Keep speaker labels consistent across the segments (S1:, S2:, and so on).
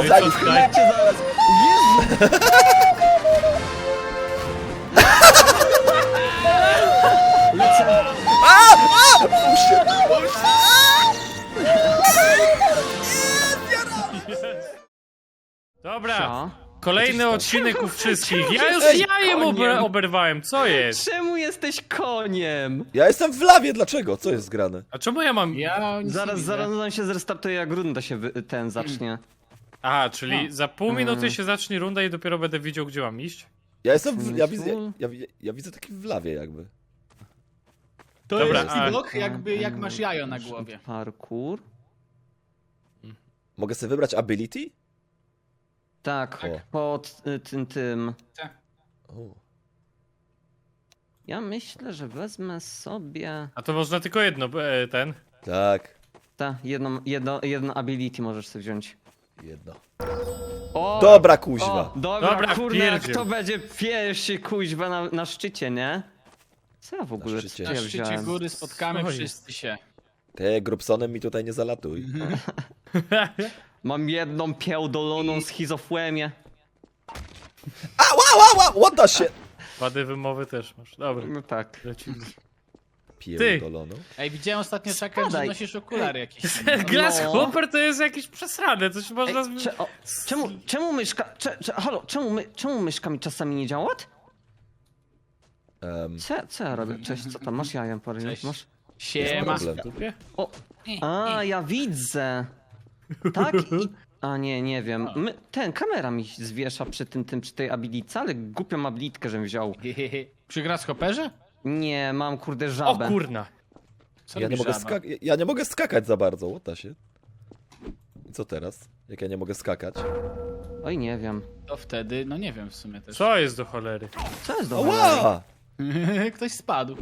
S1: No i co tutaj?
S2: Cię zaraz. Jezu! Lecę.
S1: Dobra,
S2: Co?
S1: kolejny odcinek u wszystkich. Ja już
S2: jesteś
S1: jajem
S2: koniem?
S1: oberwałem, co jest?
S2: Czemu jesteś koniem?
S3: Ja jestem w lawie, dlaczego? Co jest grane?
S1: A czemu ja mam...
S4: Ja nic nie
S2: Zaraz
S4: widzę.
S2: on się zrestartuje, jak runda się ten zacznie.
S1: Aha, czyli za pół minuty się zacznie runda i dopiero będę widział, gdzie mam iść?
S3: Ja jestem w... Ja widzę taki w lawie jakby.
S4: To
S1: Dobra,
S4: jest
S1: a-
S4: widok, jakby jak masz jajo na głowie.
S2: Parkour.
S3: Mogę sobie wybrać ability?
S2: Tak,
S3: O.
S2: pod tym.
S3: O.
S2: Ja myślę, że wezmę sobie...
S1: A to można tylko jedno, ten.
S3: Tak,
S2: Jedno ability możesz sobie wziąć.
S3: jedno.
S2: O!
S3: Dobra, kuźwa.
S2: O, dobra,
S1: Dobra,
S2: kurde, a
S1: pierdziel.
S2: kto będzie pierwszy kuźwa na szczycie, nie? Co ja w ogóle
S3: szczycie.
S2: co
S4: Na
S2: ja
S4: szczycie
S2: wziąłem?
S4: góry spotkamy
S1: Co jest?
S4: wszyscy się.
S3: Ty, Grubsonem mi tutaj nie zalatuj.
S2: Mam jedną pierdoloną schizofrenię.
S3: What the shit?
S1: Wady wymowy też masz. Dobra,
S2: No tak.
S1: lecimy.
S3: Pierdoloną.
S4: Ej, widziałem ostatnio czakę, że
S2: Spadaj.
S4: nosisz okulary jakieś.
S1: Grasshopper to jest jakiś przesrane, coś można...
S2: Ej, czemu myszka... Halo, czemu myszka mi czasami nie działa? Co ja robię? Cześć, co tam? Masz jajem, parę
S4: Cześć.
S2: masz?
S4: Siema.
S3: Problem.
S1: Dupie?
S2: O! A, ja widzę! Tak i... A nie wiem. Kamera mi zwiesza przy tej abilitce, ale głupią abilitkę, żebym wziął.
S4: Przy grasshopperze?
S2: Nie, mam kurde
S1: O
S2: żabę.
S1: kurna.
S4: Co
S3: Ja nie,
S4: robi
S3: mogę
S4: żaba?
S3: ja nie mogę skakać za bardzo, what the shit? I co teraz? Jak ja nie mogę skakać?
S2: Oj, nie wiem.
S4: To wtedy, no nie wiem w sumie też.
S1: Co jest do cholery?
S2: Co jest do cholery?
S3: Ała!
S4: Ktoś spadł.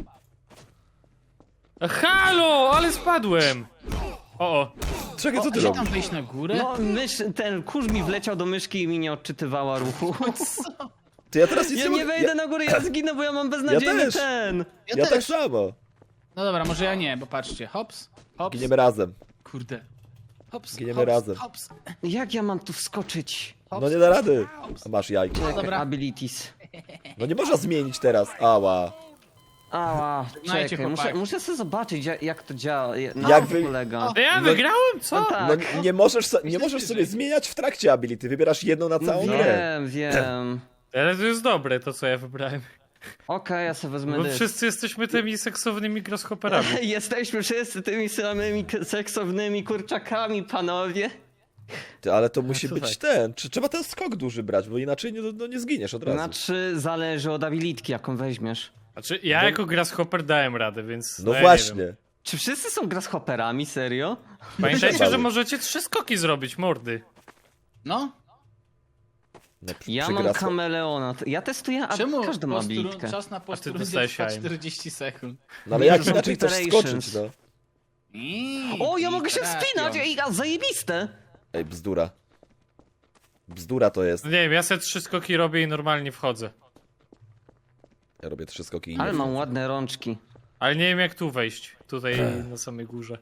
S1: Halo, ale spadłem! O.
S3: Czekaj, co ty
S4: Gdzie tam
S3: robisz?
S4: wejść na górę?
S2: No, ten kurz mi wleciał do myszki i mi nie odczytywała ruchu.
S3: Ty, ja teraz nic
S2: Ja
S3: nie
S2: nie
S3: mogę...
S2: wejdę na górę, ja zginę, bo ja mam beznadziejny
S3: też.
S2: ten.
S3: Ja tak samo.
S4: No dobra, może ja nie, bo patrzcie. Hops, hops.
S3: Giniemy razem.
S4: Kurde. Hops,
S3: Giniemy
S4: hops,
S3: razem.
S4: Hops.
S2: Jak ja mam tu wskoczyć?
S3: No nie da rady. A masz jajko.
S2: Czekaj,
S4: dobra.
S2: abilities.
S3: No nie można zmienić teraz. Ała.
S2: Ała,
S4: Żegnajcie,
S2: czekaj,
S4: chłopaki.
S2: muszę sobie zobaczyć jak to działa, na
S3: Jak
S2: czym
S3: wy-
S2: polega.
S1: A ja wygrałem, co?
S2: No tak.
S3: No nie możesz sobie zmieniać w trakcie ability. Wybierasz jedną na całą grę.
S2: Wiem.
S1: Ale to jest dobre, to co ja wybrałem.
S2: Okej, ja sobie wezmę
S1: Bo
S2: dysk.
S1: wszyscy jesteśmy tymi seksownymi grasshopperami.
S2: Jesteśmy wszyscy tymi samymi seksownymi kurczakami, panowie.
S3: Ty, ale to musi
S1: słuchaj.
S3: być ten. Trzeba ten skok duży brać, bo inaczej nie zginiesz od razu.
S2: Znaczy, zależy od abilitki, jaką weźmiesz.
S1: Znaczy, ja jako grasshopper dałem radę, więc...
S3: No
S1: ja nie
S3: właśnie.
S1: wiem.
S2: Czy wszyscy są grasshopperami, serio?
S1: Pamiętajcie,
S3: Trzeba.
S1: że możecie 3 skoki zrobić, mordy.
S4: No,
S3: No,
S2: Ja
S3: przy
S2: mam
S3: grasho-
S2: kameleona. Ja testuję
S4: czemu
S2: każdą abilitkę.
S4: czas na posturundzie
S1: dostałeś
S4: trwa
S1: jajem.
S4: 40 sekund?
S3: No ale
S2: Nie,
S3: jak
S2: to są
S3: inaczej chcesz
S2: preparations.
S3: skoczyć, no?
S2: O, ja mogę się wspinać! Ej, a zajebiste!
S3: Ej, bzdura. Bzdura to jest.
S1: No nie wiem, ja sobie 3 skoki robię i normalnie wchodzę.
S3: Ja robię 3 skoki i
S2: Ale
S3: nie
S2: mam ładne rączki.
S1: Ale nie wiem jak tu wejść. Tutaj na samej górze.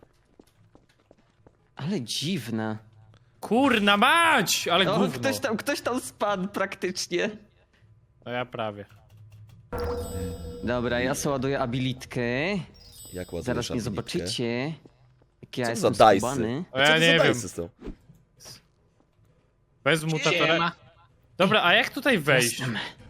S2: Ale dziwne.
S1: Kurna mać! Ale
S2: O,
S1: gówno.
S2: ktoś tam spadł praktycznie.
S1: No ja prawie.
S2: Dobra, ja sobie ładuję abilitkę.
S3: Jak ładujesz
S2: Zaraz mnie
S3: abilitkę?
S2: zobaczycie. Jak ja
S3: Co
S2: jestem
S3: za dajsy?
S2: skubany.
S1: O, ja
S3: Co to
S1: nie
S3: za
S1: wiem.
S3: dajsy są?
S1: Bez mutatora.
S4: Siema.
S1: Dobra, a jak tutaj wejść?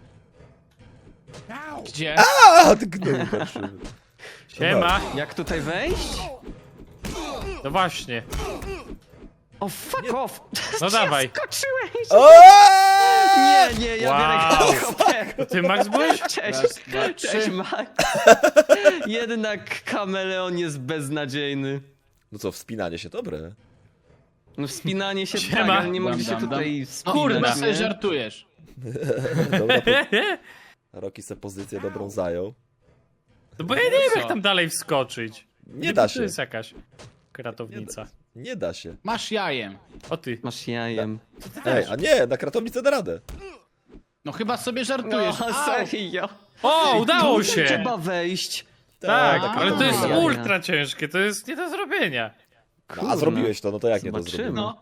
S4: Gdzie?
S3: A, ty gnoju patrzymy.
S1: Siema.
S2: Jak tutaj wejść?
S1: No właśnie.
S2: O, fuck off!
S1: No dawaj.
S2: Skoczyłeś!
S3: O!
S2: Nie, ja
S1: Wow.
S2: biorę helikopter.
S1: Ty Max byłeś?
S2: Cześć,
S4: Raz, dwa,
S2: cześć
S4: trzy.
S2: Max. Jednak kameleon jest beznadziejny.
S3: No co, wspinanie się dobre.
S2: No wspinanie się
S1: Siema.
S2: tak, ale nie mogę
S4: Dam,
S2: się
S4: dam,
S2: tutaj
S4: No,
S2: wspinać,
S4: kurwa, sobie
S2: nie?
S4: żartujesz.
S3: Dobra, Roki se pozycję dobrą zajął.
S1: No bo ja nie wiem
S4: Co?
S1: jak tam dalej wskoczyć.
S3: Nie da
S1: To
S3: się.
S1: jest jakaś kratownica.
S3: Nie da się.
S4: Masz jajem.
S1: O ty.
S2: Masz jajem.
S3: Ej, a nie, na kratownicę da radę.
S4: No chyba sobie żartujesz.
S2: No,
S4: Au.
S2: serio.
S1: O, udało
S2: Tu
S1: się!
S2: trzeba wejść.
S1: Tak,
S3: na
S1: ale to jest
S3: kratownicę.
S1: ultra ciężkie, to jest nie do zrobienia.
S3: No, a zrobiłeś to, no to jak nie to
S2: Zobaczymy.
S3: zrobiłem?
S4: No.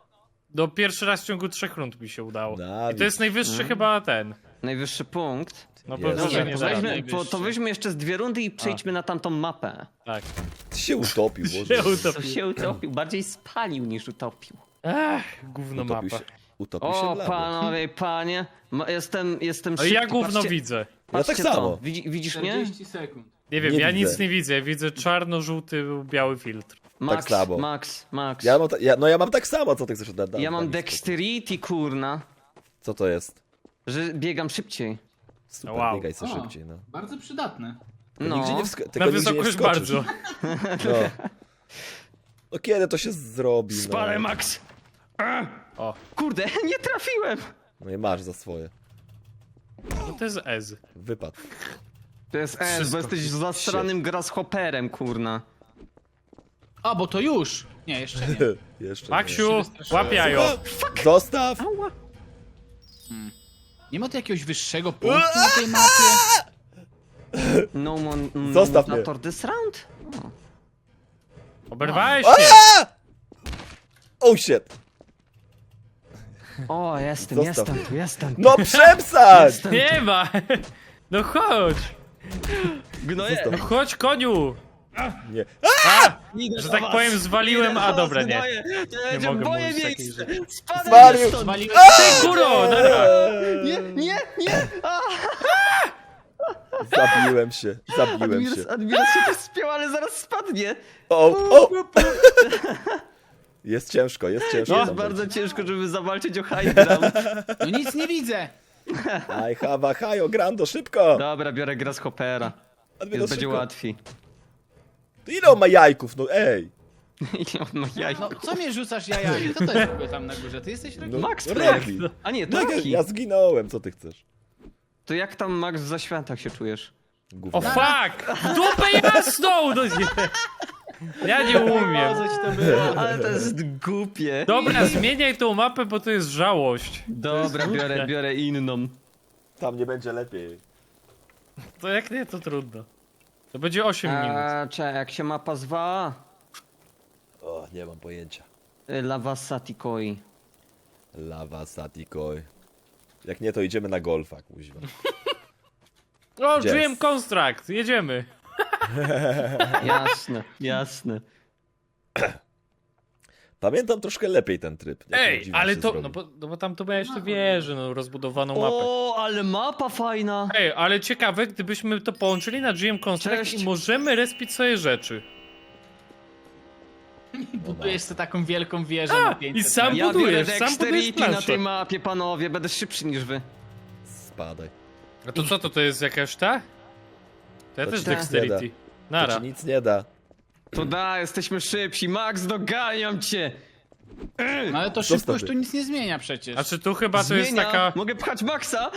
S1: No pierwszy raz w ciągu 3 rund mi się udało.
S3: Na,
S1: I to jest najwyższy chyba ten.
S2: Najwyższy punkt.
S1: No
S3: Jest.
S1: pewnie, że
S2: Nie,
S1: nie
S2: to
S1: da.
S2: weźmy,
S4: najwyższy.
S2: to weźmy jeszcze z 2 rundy i przejdźmy na tamtą mapę.
S1: Tak.
S3: Ty się utopił, Boże.
S1: Się
S2: To
S1: utopił.
S2: się utopił, bardziej spalił niż utopił.
S1: Ach, gówno
S3: Utopił
S1: mapa.
S3: Utopił się
S2: O,
S3: w lawie.
S2: panowie i panie, jestem
S1: No
S2: szybki,
S1: i ja gówno
S2: patrzcie,
S1: widzę.
S3: Ja
S2: patrzcie
S3: tak samo.
S2: To. Widzisz mnie?
S4: 40 sekund.
S1: Nie wiem,
S3: Nie
S1: ja
S3: widzę.
S1: nic nie widzę. Ja widzę czarno-żółty, biały filtr.
S2: Max,
S3: samo.
S2: Max.
S3: Ja mam tak samo, co ty chcesz dać?
S2: Ja mam dexterity, kurna,
S3: Co to jest?
S2: że biegam szybciej.
S3: Super,
S1: Wow.
S3: biegaj co
S4: O,
S3: szybciej, no.
S4: Bardzo przydatne.
S3: Tylko nigdzie
S2: No,
S3: nie tylko
S1: Na
S3: nigdzie nie
S1: wysokość
S3: wskoczysz.
S1: bardzo.
S3: No. No kiedy to się zrobi,
S2: spalę
S3: no?
S2: Max.
S1: O,
S2: Kurde, nie trafiłem.
S3: No i masz za swoje.
S1: no to jest Ez.
S3: Wypad.
S2: To jest S,
S1: Wszystko.
S2: bo jesteś zastranym grasshopperem, kurna.
S4: A, bo to już. Nie, jeszcze nie.
S3: Jeszcze
S1: Maksiu,
S4: wystraszyłem.
S1: łap jajo.
S3: nie. Zostaw!
S2: Ała.
S4: Nie ma tu jakiegoś wyższego punktu na tej mapie?
S2: No
S3: Zostaw mnie.
S2: mutator this round?
S1: Oberwałeś
S3: A!
S1: się.
S3: Oh shit!
S2: O,
S3: Zostaw mnie.
S2: jestem.
S3: No przepsać!
S1: Nie ma. No chodź.
S2: Gnoję.
S1: No chodź, koniu.
S3: Nie.
S1: A,
S2: Idę
S1: że
S2: do
S1: tak
S2: was.
S1: powiem, zwaliłem,
S2: Idę
S1: a
S2: do
S1: dobra,
S2: was,
S1: nie.
S2: gnoję. To będzie
S1: mogę
S2: moje
S1: mówić takich
S2: miejsce.
S1: rzeczy.
S2: Spadaj
S3: Zwalił.
S2: stąd.
S4: Zwaliłeś
S1: Ty, kuro, nara.
S2: Nie. A,
S3: Zabiłem się.
S2: Admiros się też spiął, ale zaraz spadnie.
S3: O! Jest ciężko.
S2: Jest
S3: tam
S2: bardzo ciężko, żeby zawalczyć o high ground.
S4: No nic nie widzę.
S3: I have a hajo, Grando, szybko!
S2: Dobra, biorę grasshoppera.
S3: Admiros,
S2: Jest będzie
S3: szybko.
S2: łatwiej.
S3: To ile on ma jajków, no ej!
S2: Ile on ma jaj?
S4: No, co mnie rzucasz jajami? Kto to jest w ogóle tam na górze? Ty jesteś Rocky?
S3: No,
S2: Max
S3: Rocky.
S2: A nie,
S3: No,
S2: to Rocky.
S3: ja zginąłem, co ty chcesz?
S2: To jak tam, Max, w zaświatach się czujesz?
S1: O
S3: Gówno.
S1: fuck! W dupę jasną! No nie. Ja nie umiem.
S4: to było?
S2: Ale to jest głupie.
S1: Dobra, zmieniaj tą mapę, bo to jest żałość.
S2: Dobra, biorę inną.
S3: Tam nie będzie lepiej.
S1: To jak nie, to trudno. To będzie 8 minut.
S2: Czekaj, jak się mapa zwa?
S3: O, nie mam pojęcia.
S2: Lava Satikoi.
S3: Lava Satikoi. Jak nie, to idziemy na golfa, kuźwa.
S1: O,
S3: Gdzie
S1: Dream
S3: jest?
S1: Construct, jedziemy.
S2: Jasne.
S3: Pamiętam troszkę lepiej ten tryb. Jak
S1: Ej,
S3: dziwnie
S1: ale
S3: się
S1: to,
S3: zrobił.
S1: no bo tam to miałeś tę wieżę, no rozbudowaną mapę.
S2: O, ale mapa fajna.
S1: Ej, ale ciekawe, gdybyśmy to połączyli na GM Construct
S2: Cześć.
S1: i możemy respić sobie rzeczy.
S4: Budujesz sobie taką wielką wieżę na 500
S1: i sam-
S4: metrów.
S2: Ja biorę
S1: budujesz, sam budujesz
S2: dexterity na
S1: planszę.
S2: tej mapie, panowie. Będę szybszy niż wy.
S3: Spadaj.
S1: A to co, to jest jakaś ta? To ja
S3: To
S1: też
S3: ci
S1: Dexterity.
S3: To
S1: Nara.
S3: ci nic nie da.
S2: To da, jesteśmy szybsi. Max, doganiam cię.
S4: No ale to
S3: Zostaw
S4: szybkość
S3: mnie.
S4: tu nic nie zmienia przecież.
S1: A czy tu chyba to jest
S2: Zmienia.
S1: taka...
S2: Mogę pchać Maxa?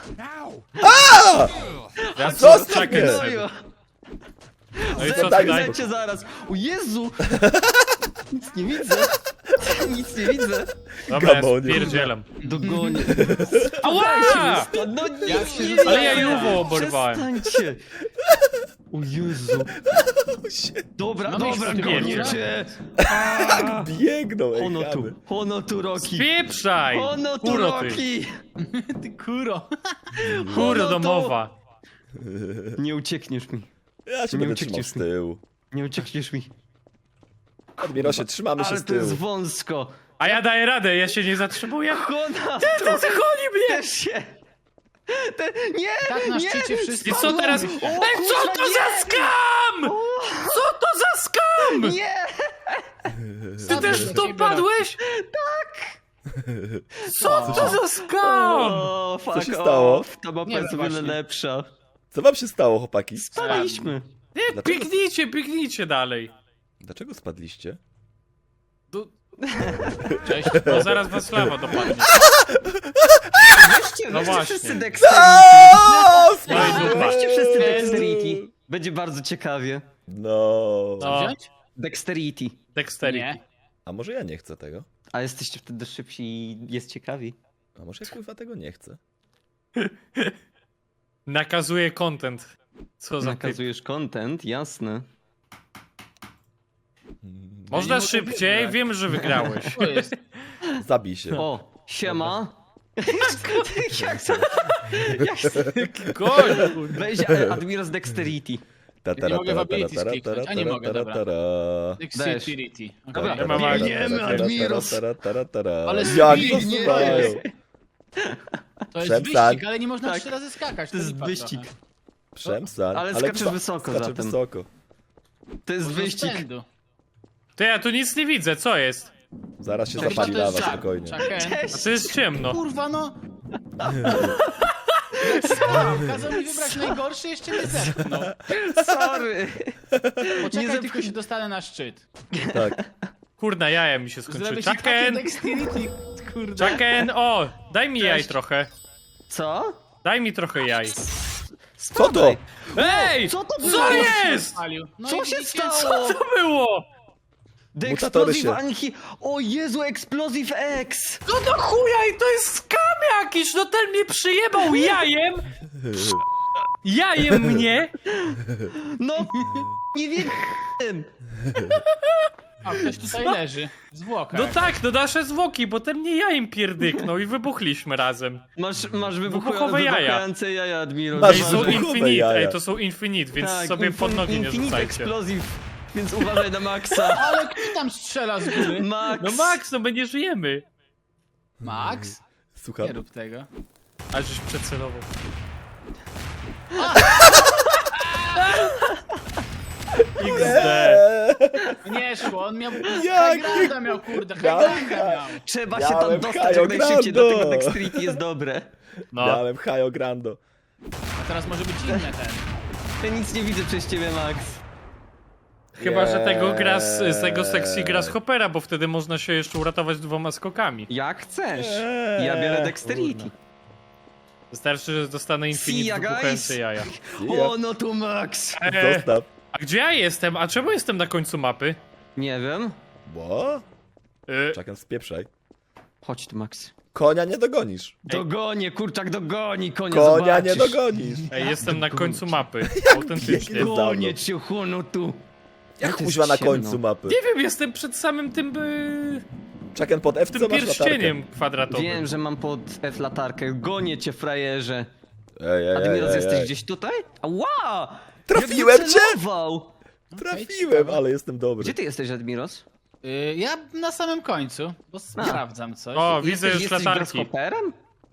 S1: Ja
S3: Zostaw
S1: czekaj
S3: mnie!
S1: sobie.
S2: Ojo.
S1: No i co
S3: Daj
S1: tutaj?
S3: spokój.
S2: Zecie zaraz. O Jezu! Nic nie widzę. Nic nie widzę.
S1: Dobra, ja
S3: Gamonie.
S1: spierdzielam.
S2: Dogonię.
S1: Ała!
S2: No nie,
S4: Jak się
S2: nie,
S4: rzuca-
S1: Ale ja Juwo oberwałem.
S2: Przestańcie. O Jezu. Dobra,
S4: No
S2: dobra,
S4: myśl,
S2: gonię
S1: nie.
S2: cię.
S3: Tak biegną, ej, chamy.
S2: Hono tu Roki.
S1: Spieprzaj!
S2: Hono tu
S1: Kuro ty.
S2: Roki.
S4: Ty kuro.
S1: Kuro
S2: to-
S1: domowa.
S2: Nie uciekniesz mi.
S3: Ja się
S2: Nie
S3: będę trzymał
S2: uciekniesz
S3: z
S2: mi.
S3: tyłu.
S2: Nie uciekniesz mi.
S3: Admirosie, trzymamy się
S2: Ale
S3: z
S2: to jest
S3: tyłu.
S2: wąsko.
S1: A ja daję radę, ja się nie zatrzymuję.
S2: Hona
S1: To zachoni mnie!
S2: też się. Nie,
S4: Tak na
S2: nie.
S4: szczycie wszyscy.
S1: I co teraz?
S2: O,
S1: Ej,
S2: kurwa,
S1: co to
S2: nie.
S1: za skam? Co to za skam?
S2: Nie.
S1: Ty też w to padłeś? Tak! Co to za skam?
S2: O, fuck
S3: się stało?
S2: off. Ta mapa
S4: Nie
S2: jest o wiele
S4: właśnie.
S2: lepsza.
S3: Co wam się stało, chłopaki?
S2: Spadaliśmy.
S1: Nie,
S3: Dlaczego?
S1: biegnijcie dalej.
S3: Dlaczego spadliście?
S4: Cześć.
S1: No zaraz was lawa dopadnie.
S2: Weźcie,
S1: No
S2: weźcie
S1: właśnie.
S2: wszyscy dexterity.
S1: No i dupa.
S2: Weźcie wszyscy dexterity. Będzie bardzo ciekawie.
S3: No.
S1: No,
S4: Wziąć?
S2: Dexterity.
S1: Dexterity.
S4: Nie.
S3: A może ja nie chcę tego?
S2: A jesteście wtedy szybsi i jest ciekawi.
S3: A może ja kurwa tego nie chcę?
S1: Nakazuje content. Co za typ.
S2: Nakazujesz content, jasne.
S1: Można
S4: Ja nie mogę
S1: szybciej,
S4: wygrać.
S1: wiem, że wygrałeś.
S4: To jest.
S3: Zabij się.
S2: O, siema. Jak
S1: Goń, kurde.
S2: Weź Admiros Dexterity.
S3: Ta,
S4: nie mogę w abilities kliknąć. A nie mogę, dobra. Dexterity.
S2: Dobra,
S4: Okay.
S1: mam akcję.
S2: biegniemy, Admiros.
S4: Ale
S3: Jak
S4: biegnie.
S3: zostają?
S4: To jest
S3: Przestań.
S4: wyścig, ale nie można
S2: Tak.
S4: 3 razy skakać.
S2: To jest
S4: lipa
S2: wyścig.
S4: trochę.
S3: Przemstań.
S2: Ale skaczesz wysoko
S3: skaczę
S2: zatem.
S3: wysoko.
S2: To jest
S4: Może z
S2: wyścig.
S4: pędu.
S1: Ty, ja tu nic nie widzę, co jest?
S3: Zaraz się
S4: No,
S3: zapali
S4: chyba to
S3: lawa,
S4: jest
S3: spokojnie.
S4: Chucken.
S1: A to jest ciemno.
S4: Kurwa no! Kazał mi wybrać najgorszy, jeszcze mnie zepchnął.
S2: Sorry.
S4: Poczekaj,
S2: Nie
S4: tylko się dostanę na szczyt.
S3: Tak.
S1: Kurna, jaja mi się skończyły.
S4: Zrobię ci takie
S1: Chucken!
S4: dexterity, kurde.
S1: Chucken! O! Daj mi jaj
S4: Cześć.
S1: trochę.
S2: Co?
S1: Daj mi trochę jaj.
S3: Co to?
S1: Ej!
S2: Co to było?
S1: Co jest?
S4: Palił. No
S2: Co
S4: i
S2: się
S4: widzicie,
S2: stało?
S1: Co było?
S2: The
S3: Mutatory
S2: Explosive
S3: się.
S2: Anki... O Jezu, Explosive X!
S1: No do chuja i to jest skam jakiś! No ten mnie przyjebał jajem! Jajem mnie!
S2: No, nie wiem.
S4: A, ktoś tutaj leży. Zwłoka.
S1: No tak, no nasze zwłoki, bo ten mnie jajem pierdyknął i wybuchliśmy razem.
S2: Masz
S1: Wybuchowe jaja.
S2: wybuchające jaja, Admiros.
S3: Masz
S1: Ej, są
S3: wybuchowe
S1: infinite,
S3: jaja.
S1: ej, to są infinite, więc
S2: Tak,
S1: sobie pod nogi nie
S2: Infinite
S1: rzucajcie.
S2: Explosive, więc uważaj na Maxa.
S4: Ale kto tam strzela z góry?
S2: Max!
S1: No Max, no my nie żyjemy.
S4: Max?
S3: Słucham.
S4: Nie rób tego.
S1: A żeś przecelował. XD.
S4: Nie szło, on miał...
S3: Jak?
S4: Highgranda miał, kurde,
S3: Miałem
S4: Highgranda miał.
S2: Trzeba się tam
S3: Miałem
S2: dostać jak najszybciej,
S3: Grando.
S2: dlatego Dexterity jest dobre.
S1: No.
S3: Miałem Hajo Grando.
S4: A teraz może być inny ten.
S2: Ja nic nie widzę przez ciebie, Max.
S1: Chyba, że tego gra z tego
S3: Eee.
S1: sexy grasshoppera, bo wtedy można się jeszcze uratować 2 skokami.
S2: Jak chcesz. Ja biorę Dexterity.
S1: Wystarczy, że dostanę
S2: See ya,
S1: infinite
S2: guys.
S1: wybuchające jaja.
S2: O, no tu Max.
S3: Zostaw.
S1: A gdzie ja jestem? A czemu jestem na końcu mapy?
S2: Nie wiem.
S3: Bo?
S1: Y,
S3: Czekam, spieprzaj.
S2: Chodź tu, Max.
S3: Konia nie dogonisz.
S2: Dogonię, kurczak dogoni, konia
S3: Konia
S2: zobaczysz.
S3: nie dogonisz.
S1: Ej, jestem na końcu mapy. Autentycznie.
S3: biegnie.
S2: Gonię cię, chłono tu.
S3: Jak
S2: to jest
S3: kuźwa na
S2: ciemno.
S3: końcu mapy?
S1: Nie wiem, jestem przed samym tym
S3: Czekam pod F,
S1: tym
S3: co masz latarkę.
S1: pierścieniem kwadratowym.
S2: Wiem, że mam pod F latarkę. Gonię cię, frajerze.
S3: Ej,
S2: Admiros, jesteś gdzieś tutaj? Ała!
S3: Trafiłem
S2: Jak
S3: cię!
S2: wycelował!
S3: Trafiłem, ale jestem dobry.
S2: Gdzie ty jesteś, Admiros?
S4: Ja na samym końcu, bo sprawdzam coś.
S1: O, widzę już
S2: jesteś
S1: latarki.
S2: grasshopperem?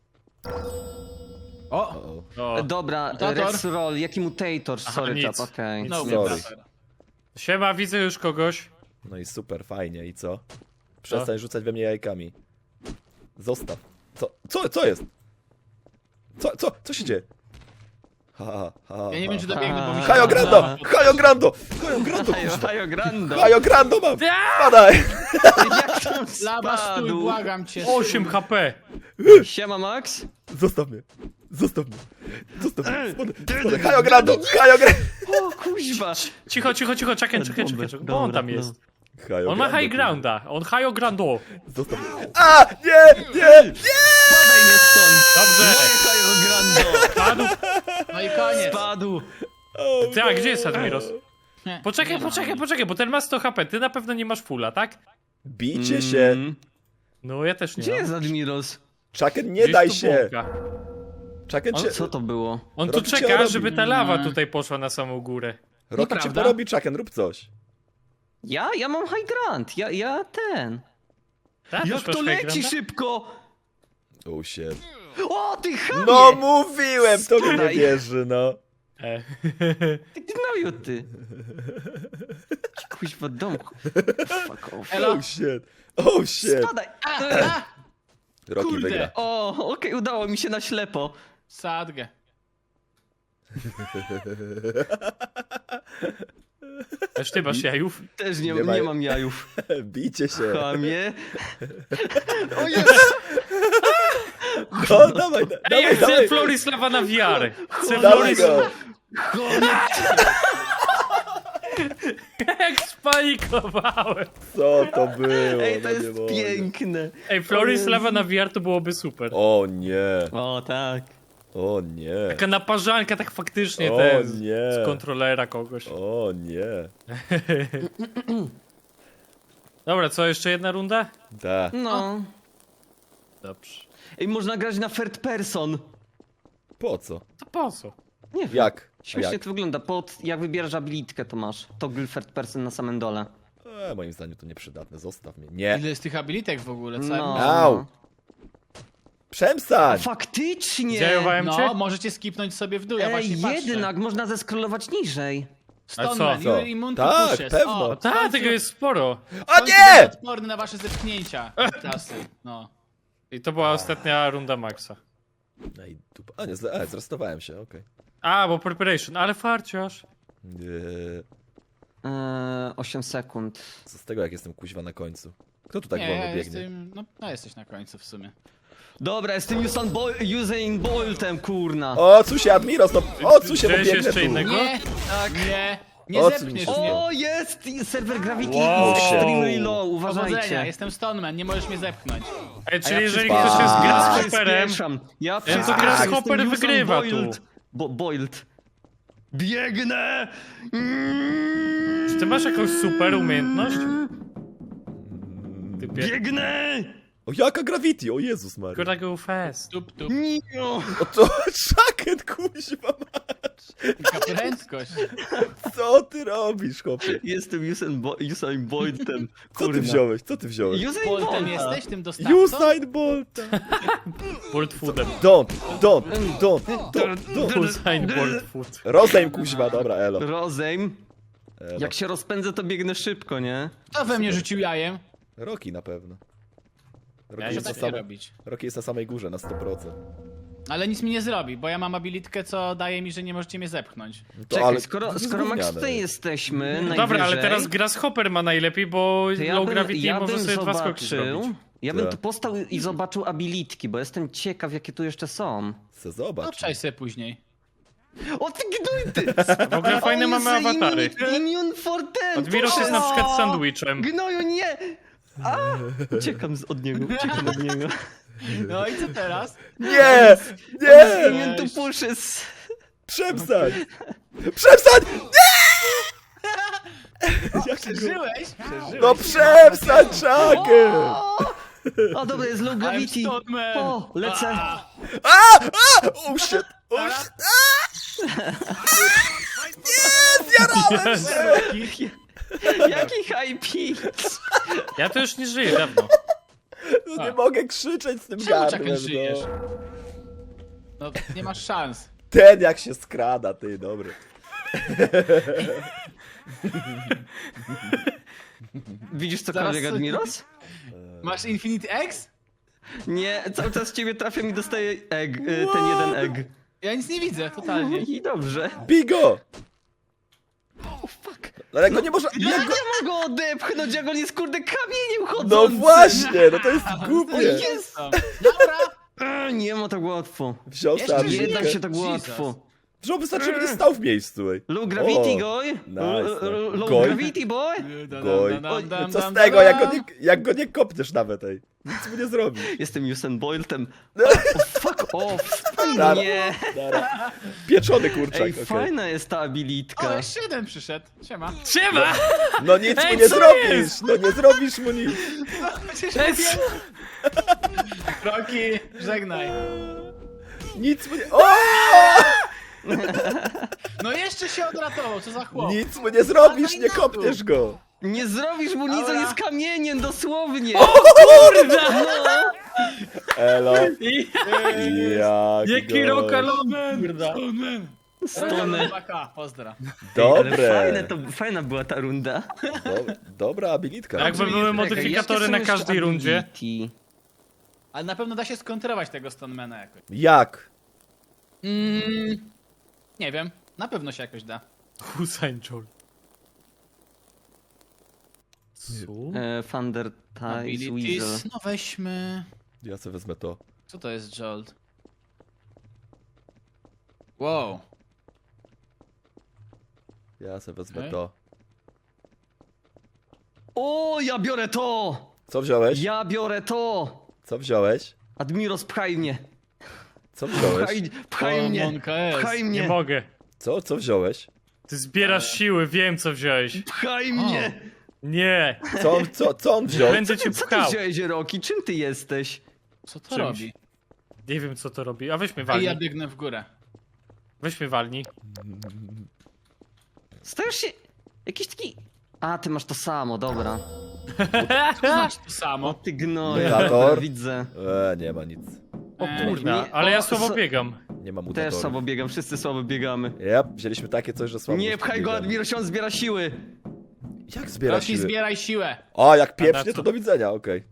S4: O!
S1: O.
S2: Dobra,
S4: Mutator?
S2: Red Roll, jaki mutator?
S1: Aha,
S2: Sorry,
S1: nic.
S2: Tap, okej.
S4: No,
S3: Sorry.
S4: mutator.
S1: Siema, widzę już kogoś.
S3: No i super, fajnie. I co? Przestań rzucać we mnie jajkami. Zostaw. Co jest? Co się dzieje?
S4: Ja nie wiem, czy dobiegnę, bo mi się...
S3: Hajo Grando! Hajo Grando! Hajo Grando!
S2: Hajo, hajo, grando!
S3: Hajo Grando mam!
S1: Ja!
S3: Spadaj!
S2: Jak tam
S4: Laba, stój,
S2: spadł?
S4: błagam cię.
S1: 8 HP.
S2: Siema, Max?
S3: Zostaw mnie! Zostaw mnie! Zostaw mnie! Spadaj! Hajo Grando! Hajo Grando!
S2: O, kuźwa!
S1: Cicho, czekaj, bo on tam
S2: Dobra,
S1: jest.
S3: Hajo
S1: On ma
S3: Grando,
S1: high grounda, on high grando.
S3: Zostaw mnie! A! Nie! Nie!
S2: Spadaj mnie stąd!
S1: Dobrze.
S2: Moje hajo, grando!
S1: Padł.
S4: No i koniec.
S2: Spadł!
S1: Ty, a gdzie jest Admiros?
S4: Nie,
S1: Poczekaj, bo ten ma 100 HP, ty na pewno nie masz fulla, tak?
S3: Bijcie się!
S2: Mm.
S1: No, ja też nie
S2: Gdzie
S1: mam.
S2: jest Admiros?
S3: Chucken, nie
S1: Gdzieś
S3: daj
S1: tu
S3: się!
S1: błąka.
S3: Chucken
S2: O,
S3: cię...
S2: co to było?
S1: On tu
S3: Robi cię
S1: czeka,
S3: robi.
S1: żeby ta lawa tutaj poszła na samą górę.
S3: Rocky cię
S4: Nieprawda.
S3: porobi, Chucken, rób coś.
S2: Ja mam high grant, ja ten.
S1: Tak,
S2: Jak
S1: też masz
S2: to
S1: high
S2: leci
S1: grounda?
S2: szybko!
S3: Oh shit.
S2: O, ty chamie!
S3: No mówiłem, to mi nie
S2: Spadaj.
S3: wierzy, no.
S2: Ty gnoju, ty! Kuźwa dom. Fuck off.
S4: Elo.
S3: Oh shit. Oh shit.
S2: Spadaj!
S3: Rocky
S4: Kurde.
S3: wygra.
S2: O, okej, udało mi się na ślepo.
S4: Sadgę.
S1: Też ty masz jajów?
S2: Też nie,
S3: Nie ma-
S2: nie mam jajów.
S3: Bijcie się.
S2: Chamie.
S4: O jest!
S3: No, dawaj,
S1: Ej, ja
S3: dawaj,
S1: chcę
S3: dawaj.
S1: Floris lawa na wiarę. Chcę
S3: Dawaj
S1: Floris...
S3: go.
S1: Jak spanikowałem.
S3: Co to było?
S2: Ej, to
S3: No nie
S2: jest
S3: mogę.
S2: piękne.
S1: Ej, Floris lawa na VR to byłoby super.
S3: O nie.
S2: O, tak.
S3: O nie.
S1: Taka naparzanka, tak faktycznie
S3: O
S1: ten
S3: nie.
S1: z kontrolera kogoś.
S3: O nie.
S1: Dobra, co, jeszcze jedna runda?
S3: Da.
S2: No.
S1: Dobrze.
S2: Ej, można grać na third person.
S3: Po co?
S1: To po co?
S2: Nie wiem.
S3: Jak? A
S2: Śmiesznie
S3: jak?
S2: to wygląda. Jak wybierasz abilitkę, to masz toggle third person na samym dole.
S3: Moim zdaniem to nieprzydatne, zostaw mnie. Nie.
S4: Ile jest tych abilitek w ogóle? Co
S2: No.
S3: Au! Przestań!
S2: Faktycznie!
S1: Zajowałem cię?
S4: No, możecie skipnąć sobie w dół, ja właśnie patrzę.
S2: jednak można zeskrolować niżej.
S4: Stoneman,
S1: co?
S4: you're immune to
S3: Tak,
S4: pushes.
S3: pewno.
S4: O,
S1: Tak, tego jest sporo.
S3: O nie!
S4: Odporny na wasze zepchnięcia. Klasy. No.
S1: I to była ostatnia runda Maxa.
S3: No i dupa. A nie, zrestowałem się, okej.
S1: A, bo preparation, ale farciarz.
S3: Nie.
S2: 8 sekund.
S3: Co z tego, jak jestem kuźwa na końcu? Kto tu tak
S4: Nie,
S3: wolno
S4: ja
S3: biegnie?
S4: jestem... No, jesteś na końcu w sumie.
S2: Dobra, jestem Usain Boltem, kurna.
S3: O, co się, Admiros, no... O, co się, bo
S1: Widziałeś
S3: biegnę
S1: jeszcze
S3: tu.
S1: innego?
S4: Nie!
S2: Tak.
S4: Nie
S3: O, co
S4: zepchniesz
S3: mi się
S4: mnie.
S2: O, jest! Server Gravity
S1: Wow.
S2: extremely low,
S4: Powodzenia,
S2: uważajcie.
S4: jestem Stoneman, nie możesz mnie zepchnąć.
S1: Ej, czyli
S4: ja
S1: jeżeli
S3: przyspam.
S1: ktoś jest
S3: A,
S1: grasshopperem,
S2: Przyspieszam. Ja
S1: to
S2: przyspieszam.
S1: grasshopper
S2: Jestem
S1: wygrywa
S2: Usain Bolt.
S1: tu.
S2: Bolt. Biegnę!
S1: czy ty masz jakąś super umiejętność? Typie,
S2: Biegnę!
S3: O, jaka gravity, o Jezus Maria.
S1: gotta go fast.
S4: Tup, tup.
S2: Nio!
S3: O, to szaket, kuźwa,
S4: Taka prędkość.
S3: co ty robisz, chłopie?
S2: Jestem Usain Boltem.
S3: Co ty wziąłeś, co ty wziąłeś?
S2: Usain
S4: Boltem
S2: Boltem
S4: jesteś, tym dostawcą?
S3: Usain Bolt!
S1: Bolt foodem.
S3: Don't.
S1: Usain Bolt food.
S3: Rozejm, kuźwa, dobra, elo.
S2: Rozejm.
S3: elo.
S2: Jak się rozpędzę, to biegnę szybko, nie?
S4: Kto we mnie rzucił jajem?
S3: Rocky na pewno. Rocky
S4: Ja
S3: jest,
S4: się
S3: na
S4: tak
S3: samej,
S4: robić.
S3: Rocky jest na samej górze, na 100%.
S4: Ale nic mi nie zrobi, bo ja mam abilitkę, co daje mi, że nie możecie mnie zepchnąć.
S3: No
S2: Czekaj,
S3: to jest
S2: skoro Max
S3: gówniane.
S2: tutaj jesteśmy,
S1: Dobra, ale
S2: najwyżej,
S1: teraz grasshopper ma najlepiej, bo
S2: to
S1: low gravity może sobie dwa skoki zrobić.
S2: ja bym
S3: Tak.
S2: tu postał i zobaczył abilitki, bo jestem ciekaw, jakie tu jeszcze są.
S3: Se zobacz.
S4: Obczaj sobie później.
S2: O ty gnuj ty!
S1: W ogóle fajne mamy awatary.
S2: Immune for ten!
S1: Admiros jest na przykład sandwichem.
S2: Gnoju, nie! A! Uciekam od niego.
S4: No i co teraz?
S3: Nie! Nie!
S2: Immune to pushes.
S3: Przestań! Przestań!
S4: Przeżyłeś?
S3: No przestań, Chucken!
S2: O, dobra, jest low
S4: I'm
S2: gravity.
S4: Stoneman.
S2: O, lecę.
S3: Oh shit! Oh
S4: Dobra.
S3: shit! Nie! Zjarałem się!
S2: Jaki high pitch.
S1: Ja to już nie żyję dawno.
S3: No nie mogę krzyczeć z tym
S4: Czemu
S3: gardłem,
S4: czekać żyjesz?
S3: no.
S4: No, nie masz szans.
S3: Ten jak się skrada, ty, dobry.
S2: Widzisz
S4: Zaraz
S2: cokolwiek,
S4: coś-
S2: Admiros?
S4: Masz Infinite X?
S2: Nie, cały czas ciebie trafia mi dostaje egg, ten jeden egg.
S4: Ja nic nie widzę, totalnie.
S2: I dobrze.
S3: Bigo!
S2: Oh, fuck.
S3: Ale go nie można...
S2: Ja
S3: Jak
S2: nie
S3: go...
S2: mogę odepchnąć, jak on jest kurde kamieniem
S3: No
S2: chodzącym.
S3: właśnie, no to jest
S2: O
S3: głupie.
S2: jest!
S4: Dobra!
S2: Nie ma tak łatwo.
S3: Wziął
S4: Jeszcze
S3: sam
S2: Nie da się tak
S4: Jesus.
S2: łatwo.
S3: Wziął, wystarczy, żeby nie stał w miejscu, ej.
S2: Low gravity,
S3: O,
S2: goy.
S3: nice.
S2: Low
S3: Goy?
S2: gravity, boy.
S3: Goj.
S4: Dam,
S3: Co
S4: dam,
S3: z tego,
S4: dam.
S3: jak go nie kopniesz nawet, ej. Nic mu nie zrobi.
S2: Jestem Usain Boltem.
S3: No.
S2: Fuck off.
S3: Dara.
S2: Nie.
S3: Dara. Pieczony kurczak,
S2: Ej,
S3: okej.
S2: fajna jest ta
S4: O,
S2: abilitka.
S4: jeszcze jeden przyszedł. Siema.
S1: Siema!
S3: No nic
S1: Ej,
S3: mu nie
S1: co
S3: zrobisz,
S1: jest?
S3: no nie zrobisz mu nic.
S1: Ej,
S4: Rocky, żegnaj.
S3: Nic mu nie... O!
S4: No jeszcze się odratował, co za chłop.
S3: Nic mu nie zrobisz, nie kopniesz go.
S2: Nie zrobisz mu nic, on
S4: Dobra.
S2: jest kamieniem, dosłownie.
S1: kurda!
S2: No.
S3: Elo.
S1: Jaki
S3: go-
S1: rokalomen!
S2: Stony.
S4: Pozdra.
S3: Dobre.
S2: Fajna była ta runda.
S3: Dobra abilitka.
S1: Jakby były modyfikatory na każdej rundzie.
S4: Ale na pewno da się skontrować tego Stonemana jakoś.
S3: Jak?
S4: Nie wiem, na pewno się jakoś da.
S1: Usain Bolt. Co?
S2: Thunder Ties Weasel.
S4: Abilities, no weźmy...
S3: Ja sobie wezmę to.
S4: Co to jest Jolt? Wow.
S3: Ja sobie wezmę
S4: Okej.
S3: to.
S2: O, ja biorę to!
S3: Co wziąłeś?
S2: Ja biorę to!
S3: Co wziąłeś?
S2: Admiros, pchaj mnie.
S3: Co wziąłeś?
S2: Pchaj mnie.
S4: Monka S.
S2: Pchaj
S1: Nie
S2: mnie.
S1: mogę.
S3: Co wziąłeś?
S1: Ty zbierasz siły, wiem co wziąłeś.
S2: Pchaj mnie.
S1: Nie,
S3: Co on wziął?
S1: będę cię
S2: Co ty
S1: pchał.
S2: wziąłeś, Roki? Czym ty jesteś?
S4: Co to
S5: Czymś.
S4: robi?
S5: Nie wiem co to robi. A weź mnie
S4: Ej,
S5: walnij.
S4: ja biegnę w górę.
S5: Weź mnie walnij.
S2: Stajesz się... Jakiś taki... A, ty masz to samo, dobra.
S4: To znaczy to
S2: O,
S4: samo.
S2: ty gnoju,
S3: Mutator?
S2: dobra, widzę.
S3: Nie ma nic.
S5: O
S4: Ej,
S5: kurna,
S2: nie,
S5: ale
S2: o,
S5: ja słabo
S2: so-
S5: biegam.
S3: Nie ma
S2: Też
S3: mutatorów.
S2: słabo biegam, wszyscy słabo biegamy.
S3: Wzięliśmy takie coś, że słabo.
S2: Nie pchaj go,
S3: biegamy.
S2: Admiros, on zbiera siły.
S3: Jak zbiera
S4: Roki,
S3: siły?
S4: zbieraj siłę.
S3: O, jak
S5: A na
S3: pieprznie,
S5: co?
S3: to do widzenia, okej.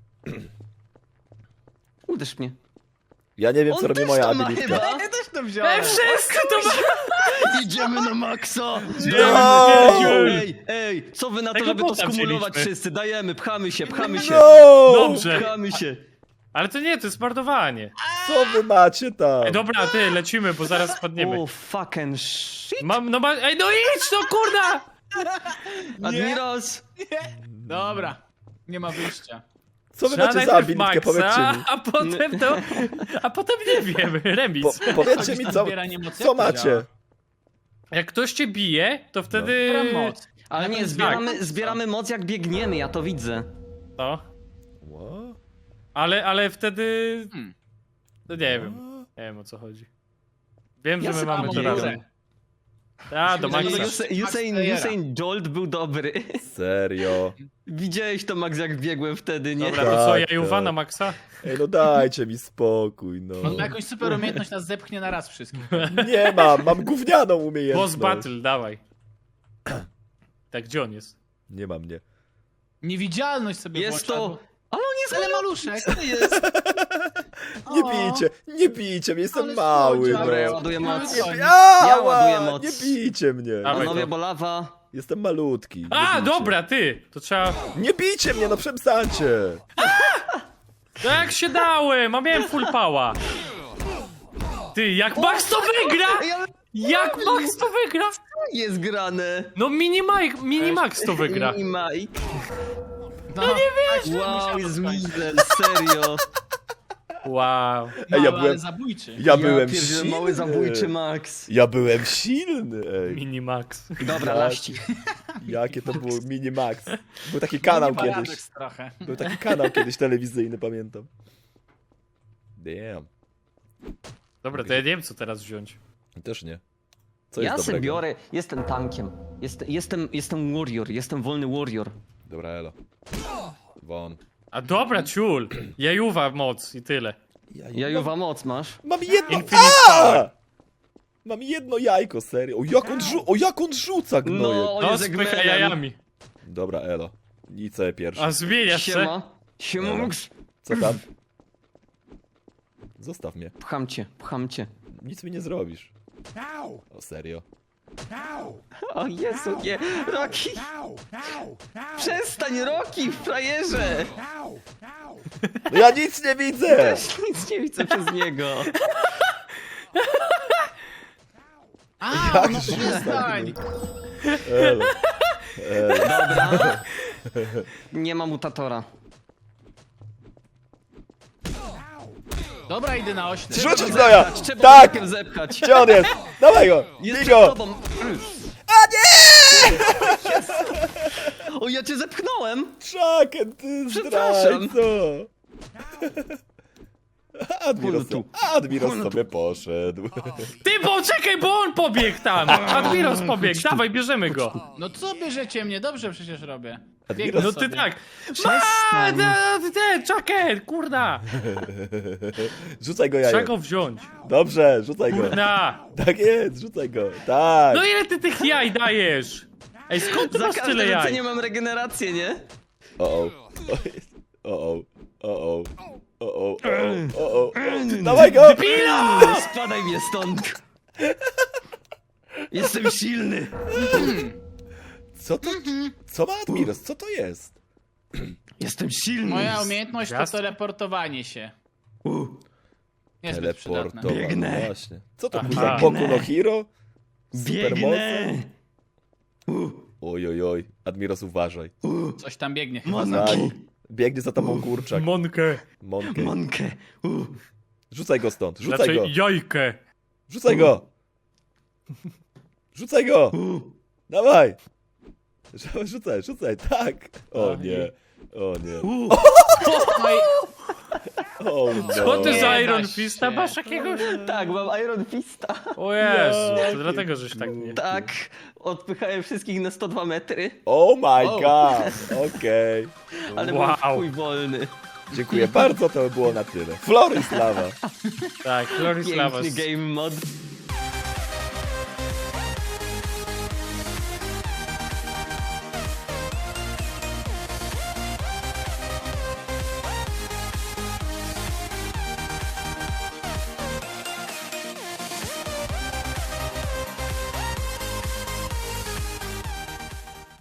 S2: Uderz mnie.
S3: Ja nie wiem, co
S2: On
S3: robi
S2: też
S3: moja
S2: to ma
S3: abilitka.
S2: chyba.
S4: Ja też to wziąłem.
S1: Wszyscy to ma...
S2: Idziemy na maksa!
S3: No!
S2: Ej, co wy na to,
S5: Tego
S2: żeby to
S5: bota
S2: skumulować
S5: wzięliśmy.
S2: wszyscy? Dajemy, pchamy się.
S3: No!
S5: Dobrze.
S2: Pchamy się.
S5: Ale to nie, to jest marnowanie.
S3: Co wy macie tam?
S5: Ej, dobra, ty, lecimy, bo zaraz spadniemy.
S2: Oh, fucking shit.
S5: Ej, no idź, no kurna!
S2: Admiros!
S4: Dobra. Nie ma wyjścia.
S3: Co wy
S5: Trzeba
S3: macie za
S5: najpierw
S3: abilitkę, powiedzcie mi.
S5: a potem nie wiem, remis.
S3: Powiedzcie mi, co,
S4: Zbieranie mocy,
S3: co
S4: jak to
S3: macie?
S4: działa?
S5: Jak ktoś cię bije, to wtedy...
S4: Zbieram moc.
S2: Ale nie, zbieramy moc jak biegniemy, ja to widzę.
S5: No,
S3: What?
S5: ale wtedy...
S4: Hmm.
S5: No nie wiem, nie wiem o co chodzi. Wiem,
S2: Ja
S5: że my
S2: sobie
S5: mamy
S4: mam
S5: to
S4: górę.
S5: razem. A, do
S4: Musimy
S5: Maxa.
S4: zrobić-
S2: Usain Jolt był dobry.
S3: Serio?
S2: Widziałeś to, Max, jak biegłem wtedy, nie?
S5: Dobra, to co,
S3: Tak,
S5: Jajuwa
S3: tak.
S5: na Maxa?
S3: Ej, no dajcie mi spokój, no.
S4: On ma jakąś super umiejętność, nas zepchnie na raz wszystkich.
S3: Nie mam gównianą umiejętność.
S5: Boss Battle, dawaj. Tak, gdzie on jest?
S3: Nie mam, nie.
S4: Niewidzialność sobie
S2: Jest
S4: włącza,
S2: to...
S4: bo-
S2: Ale on jest
S4: Ale maluszek.
S2: to jest.
S3: Nie bijcie mnie, jestem
S4: Ale
S3: mały,
S4: słodziak.
S2: Dobra, ja
S3: no.
S2: ładuję moc.
S3: Ała,
S2: Ja ładuję moc.
S3: Nie bijcie mnie.
S5: Dawaj.
S2: Panowie,
S5: to.
S2: bolawa.
S3: Jestem malutki. nie
S5: A,
S3: bijcie.
S5: dobra, ty! To trzeba...
S3: Nie bijcie mnie, no przestańcie.
S5: No jak się dałem, a miałem full power. Ty, jak Max to wygra? Jak Max to wygra?
S2: Jest grane.
S5: No Minimax to wygra.
S2: I Mike.
S4: No nie wiesz.
S2: Wow, jest mizel, serio.
S5: Wow.
S3: Ej,
S4: Mały,
S3: ja byłem-
S4: ale zabójczy.
S3: Ja byłem
S2: pierdzielę,
S3: silny.
S2: mały zabójczy Max.
S3: Ja byłem silny, ej.
S5: Minimax.
S2: Dobra,
S3: Tak.
S2: laści.
S3: Jakie to było Minimax. Był taki kanał
S4: Nie ma
S3: kiedyś.
S4: Radek trochę.
S3: Był taki kanał kiedyś telewizyjny, pamiętam. Damn.
S5: Dobra, to ja nie wiem co teraz wziąć.
S3: Też nie. Co
S2: Ja
S3: jest
S2: se
S3: dobrego?
S2: biorę, jestem tankiem. Jestem warrior, jestem wolny warrior.
S3: Dobra, elo. Won.
S5: A dobra, ciul. Jajuwa moc i tyle.
S2: Jajuwa moc masz.
S3: Mam jedno...
S5: Infinite power.
S3: Mam jedno jajko, serio. O, jak on rzuca, gnoje.
S2: No,
S5: No,
S2: jest
S5: spycha
S2: Eggmanem.
S5: jajami.
S3: Dobra, elo. Nicę pierwszy.
S5: A zmieniasz się?
S2: Siema. Siema, Max.
S3: Co tam? Zostaw mnie.
S2: Pcham cię.
S3: Nic mi nie zrobisz. O, serio.
S2: O Jezu, nie. Roki! Przestań, Roki, frajerze!
S3: No ja nic nie widzę!
S2: Też nic nie widzę przez niego.
S4: A,
S3: Jak
S4: no
S3: się
S4: przestań.
S3: Elo.
S2: Dobra. Nie ma mutatora.
S4: Dobra, idę na ośle.
S3: Rzucić gnoja!
S2: Trzeba
S3: Tak!
S2: tak! Zepchać.
S3: Gdzie on jest? Dawaj go!
S2: Jest
S3: Bij
S2: przed
S3: go!
S2: tobą. O, ja cię zepchnąłem!
S3: Czaken, ty
S2: Przepraszam.
S3: zdrajco! Admiros,
S2: Chodź tu.
S3: Admiros
S2: Chodź tu.
S3: sobie poszedł.
S5: Ty, poczekaj, bo on pobiegł tam. Admiros pobiegł, dawaj, bierzemy go.
S4: No co bierzecie mnie? Dobrze przecież robię.
S3: Admiros,
S5: No ty
S4: sobie.
S5: tak.
S2: Przestań.
S5: Czaken, kurna.
S3: Rzucaj go
S5: Trzeba
S3: jajem.
S5: go wziąć.
S3: Dobrze, rzucaj go.
S5: Na.
S3: Tak jest, rzucaj go. Tak.
S5: No ile ty tych jaj dajesz? Ej, skąd ty
S2: Za
S5: masz tyle
S2: każdym
S5: jaj?
S2: rzuceniem mam regenerację, nie?
S3: O-o. O-o. O-o. O-o. O-o. Dawaj go!
S2: Spadaj mnie stąd! Jestem silny!
S3: Co to? Co ma Admiros? Co to jest?
S2: Jestem silny!
S4: Moja umiejętność to
S5: Gwiazd?
S4: teleportowanie się. Niezbyt przydatne.
S3: Teleportowanie.
S2: Biegnę.
S3: Właśnie. Co to
S5: Aha.
S3: kurwa? Boku no Hero?
S2: Biegnę!
S3: Oj, oj, oj. Admiros, uważaj.
S4: Coś tam biegnie chyba.
S3: Tak.
S2: Monki!
S3: Biegnie za tobą kurczak.
S5: Monkę.
S3: Monkę.
S2: Monkę!
S3: Rzucaj go stąd. Rzucaj
S5: Znaczy
S3: go.
S5: jajkę.
S3: Rzucaj go. Rzucaj go. Dawaj. Rzucaj. Tak. O nie. O nie.
S4: No i
S3: Oh, no.
S5: Co ty
S4: Nie
S5: za
S4: da
S5: Iron
S4: się.
S5: Fista masz jakiegoś?
S2: Tak, mam Iron Fista.
S5: O Jezu, to dlatego, żeś tak nie...
S2: Tak, odpychałem wszystkich na 102 metry,
S3: Oh my god, okej.
S2: ale
S5: Wow.
S2: byłem chuj wolny.
S3: Dziękuję bardzo, to by było na tyle. Florislawa.
S5: Tak, Florislawa.
S2: Piękny game mod.